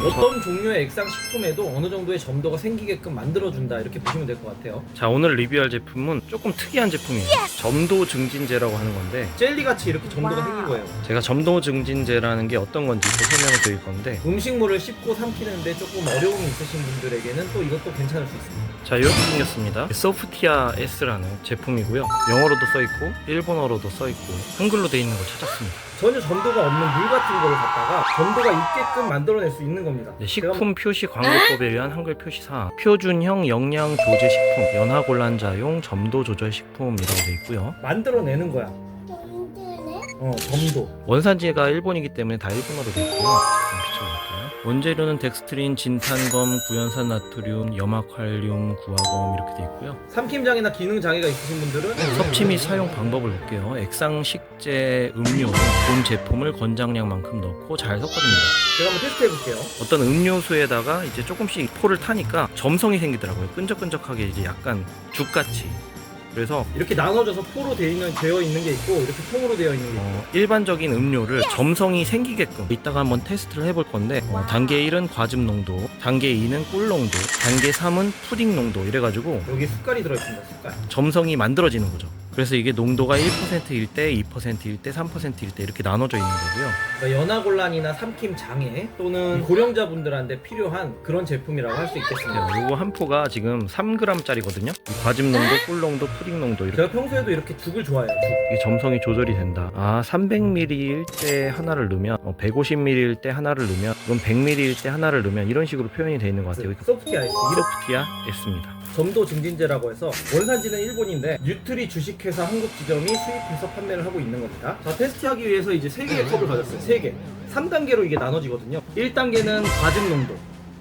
어떤 종류의 액상 식품에도 어느 정도의 점도가 생기게끔 만들어준다, 이렇게 보시면 될 것 같아요. 자, 오늘 리뷰할 제품은 조금 특이한 제품이에요. 점도 증진제라고 하는 건데, 젤리같이 이렇게 점도가 와우. 생긴 거예요. 제가 점도 증진제라는 게 어떤 건지 또 설명을 드릴 건데, 음식물을 씹고 삼키는데 조금 어려움이 있으신 분들에게는 또 이것도 괜찮을 수 있습니다. 자, 이렇게 생겼습니다. 소프티아 S라는 제품이고요. 영어로도 써있고 일본어로도 써있고 한글로 돼 있는 걸 찾았습니다. 전혀 점도가 없는 물 같은 걸 갖다가 점도가 있게끔 만들어낼 수 있는 겁니다. 네, 식품 표시 광고법에 의한 한글 표시사항, 표준형 영양 조제 식품, 연하곤란자용 점도 조절 식품이라고 돼 있고요. 만들어내는 거야. 점도. 원산지가 일본이기 때문에 다 일본어로 돼 있고요. 좀 비춰볼게요. 원재료는 덱스트린, 진탄검, 구연산 나트륨, 염화칼륨, 구화검 이렇게 돼 있고요. 삼킴장애나 기능장애가 있으신 분들은 섭취 및 사용 방법을 볼게요. 액상식재 음료 본 제품을 권장량만큼 넣고 잘 섞어줍니다. 제가 한번 테스트 해볼게요. 어떤 음료수에다가 이제 조금씩 포를 타니까 점성이 생기더라고요. 끈적끈적하게 이제 약간 죽같이. 그래서 이렇게 나눠져서 포로 되어 있는 게 있고, 이렇게 통으로 되어 있는 게 있고. 일반적인 음료를 점성이 생기게끔 이따가 한번 테스트를 해볼 건데, 단계 1은 과즙 농도, 단계 2는 꿀 농도, 단계 3은 푸딩 농도 이래가지고 여기 숟갈이 들어있습니다. 숟갈. 점성이 만들어지는 거죠. 그래서 이게 농도가 1%일 때, 2%일 때, 3%일 때 이렇게 나눠져 있는 거고요. 그러니까 연하곤란이나 삼킴장애 또는 고령자분들한테 필요한 그런 제품이라고 할 수 있겠습니다. 요거 한 포가 지금 3g짜리거든요. 과즙 농도, 꿀 농도, 푸딩 농도 이렇게. 제가 평소에도 이렇게 죽을 좋아해요. 죽. 이게 점성이 조절이 된다. 300ml일 때 하나를 넣으면, 150ml일 때 하나를 넣으면, 이건 100ml일 때 하나를 넣으면 이런 식으로 표현이 되어 있는 것 같아요. 소프티 아이스. 소프티아 S입니다. 점도 증진제라고 해서 원산지는 일본인데 뉴트리 주식회사 한국 지점이 수입해서 판매를 하고 있는 겁니다. 자, 테스트하기 위해서 이제 3개의 컵을 가졌어요. 3개. 3단계로 이게 나눠지거든요. 1단계는 과즙 농도,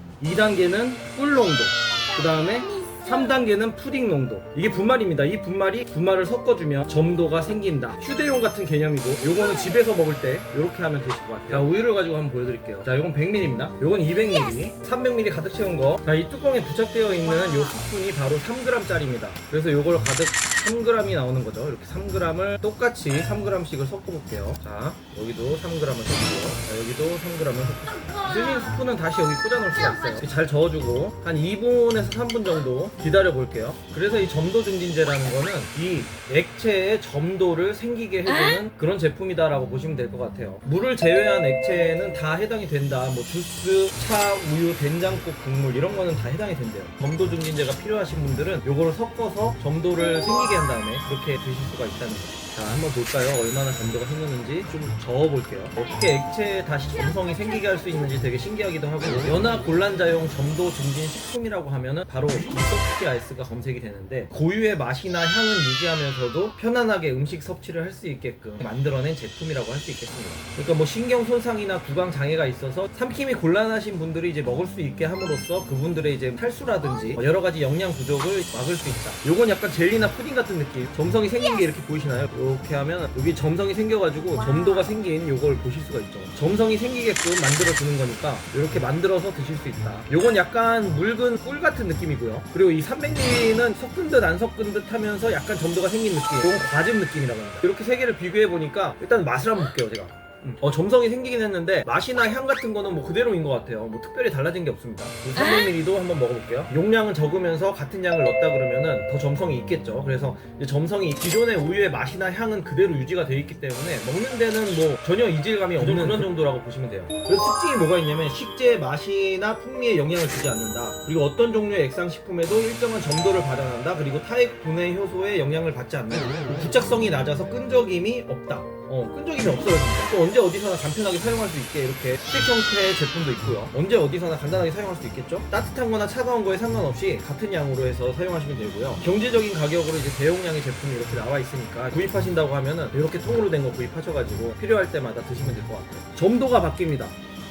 2단계는 꿀 농도, 그 다음에 3단계는 푸딩 농도. 이게 분말입니다. 이 분말을 섞어주면 점도가 생긴다. 휴대용 같은 개념이고, 요거는 집에서 먹을 때 이렇게 하면 되실 것 같아요. 자, 우유를 가지고 한번 보여드릴게요. 자, 요건 100ml입니다. 요건 200ml, 300ml 가득 채운 거. 자, 이 뚜껑에 부착되어 있는 요 스푼이 바로 3g짜리입니다. 그래서 요걸 가득 3g이 나오는 거죠. 이렇게 3g을 똑같이 3g씩을 섞어볼게요. 자, 여기도 3g을 섞고요. 자, 여기도 3g을 섞고. 쓸린 스푼은 다시 여기 꽂아놓을 수가 있어요. 잘 저어주고 한 2분에서 3분 정도 기다려 볼게요. 그래서 이 점도 증진제라는 거는 이 액체의 점도를 생기게 해주는 그런 제품이다라고 보시면 될 것 같아요. 물을 제외한 액체는 다 해당이 된다. 뭐 주스, 차, 우유, 된장국, 국물 이런 거는 다 해당이 된대요. 점도 증진제가 필요하신 분들은 요거를 섞어서 점도를 생기게 한 다음에 그렇게 드실 수가 있다는 거죠. 자, 한번 볼까요? 얼마나 점도가 생겼는지 좀 저어볼게요. 어떻게 액체에 다시 점성이 생기게 할 수 있는지 되게 신기하기도 하고, 연하곤란자용 점도 증진 식품이라고 하면은 바로 이 소프티 아이스가 검색이 되는데, 고유의 맛이나 향은 유지하면서도 편안하게 음식 섭취를 할 수 있게끔 만들어낸 제품이라고 할 수 있겠습니다. 그러니까 뭐 신경 손상이나 구강 장애가 있어서 삼킴이 곤란하신 분들이 이제 먹을 수 있게 함으로써 그분들의 이제 탈수라든지 여러 가지 영양 부족을 막을 수 있다. 요건 약간 젤리나 푸딩 같은 느낌. 점성이 생긴 게 이렇게 보이시나요? 이렇게 하면 여기 점성이 생겨가지고 점도가 생긴 요걸 보실 수가 있죠. 점성이 생기게끔 만들어주는 거니까 이렇게 만들어서 드실 수 있다. 요건 약간 묽은 꿀 같은 느낌이고요. 그리고 이 300ml는 섞은 듯 안 섞은 듯 하면서 약간 점도가 생긴 느낌. 이건 과즙 느낌이라고 합니다. 이렇게 세 개를 비교해 보니까 일단 맛을 한번 볼게요, 제가. 점성이 생기긴 했는데 맛이나 향 같은 거는 뭐 그대로인 것 같아요. 뭐 특별히 달라진 게 없습니다. 300ml도 한번 먹어볼게요. 용량은 적으면서 같은 양을 넣었다 그러면은 더 점성이 있겠죠. 그래서 이제 점성이 기존의 우유의 맛이나 향은 그대로 유지가 되어 있기 때문에 먹는 데는 뭐 전혀 이질감이 없는 그런 정도라고 보시면 돼요. 그래서 특징이 뭐가 있냐면 식재의 맛이나 풍미에 영향을 주지 않는다. 그리고 어떤 종류의 액상식품에도 일정한 점도를 발현한다. 그리고 타액 분해 효소에 영향을 받지 않는다. 부착성이 낮아서 끈적임이 없다. 끈적임이 없어졌습니다. 또 언제 어디서나 간편하게 사용할 수 있게 이렇게 스틱 형태의 제품도 있고요. 언제 어디서나 간단하게 사용할 수 있겠죠? 따뜻한 거나 차가운 거에 상관없이 같은 양으로 해서 사용하시면 되고요. 경제적인 가격으로 이제 대용량의 제품이 이렇게 나와 있으니까 구입하신다고 하면은 이렇게 통으로 된 거 구입하셔가지고 필요할 때마다 드시면 될 것 같아요. 점도가 바뀝니다.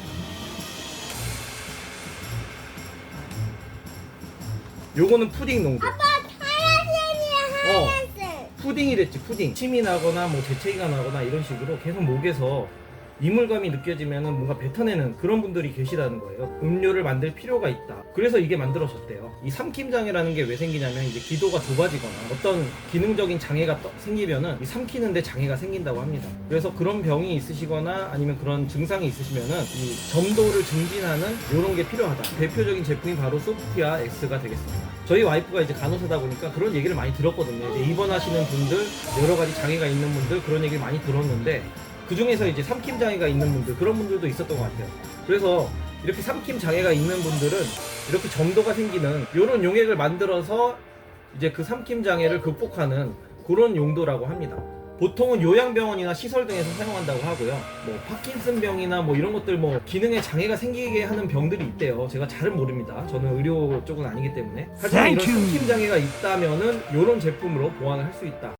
요거는 푸딩 농도. 아빠 하얀색이야. 푸딩이랬지, 푸딩. 침이 나거나 뭐 재채기가 나거나 이런 식으로 계속 목에서 이물감이 느껴지면은 뭔가 뱉어내는 그런 분들이 계시다는 거예요. 음료를 만들 필요가 있다. 그래서 이게 만들어졌대요. 이 삼킴장애라는 게 왜 생기냐면 이제 기도가 좁아지거나 어떤 기능적인 장애가 생기면은 이 삼키는데 장애가 생긴다고 합니다. 그래서 그런 병이 있으시거나 아니면 그런 증상이 있으시면은 이 점도를 증진하는 이런 게 필요하다. 대표적인 제품이 바로 소프티아 X가 되겠습니다. 저희 와이프가 이제 간호사다 보니까 그런 얘기를 많이 들었거든요. 이제 입원하시는 분들, 여러 가지 장애가 있는 분들 그런 얘기를 많이 들었는데 그 중에서 이제 삼킴 장애가 있는 분들 그런 분들도 있었던 것 같아요. 그래서 이렇게 삼킴 장애가 있는 분들은 이렇게 점도가 생기는 이런 용액을 만들어서 이제 그 삼킴 장애를 극복하는 그런 용도라고 합니다. 보통은 요양병원이나 시설 등에서 사용한다고 하고요. 뭐 파킨슨병이나 뭐 이런 것들 뭐 기능에 장애가 생기게 하는 병들이 있대요. 제가 잘은 모릅니다. 저는 의료 쪽은 아니기 때문에. 하지만 이런 삼킴 장애가 있다면은 이런 제품으로 보완을 할 수 있다.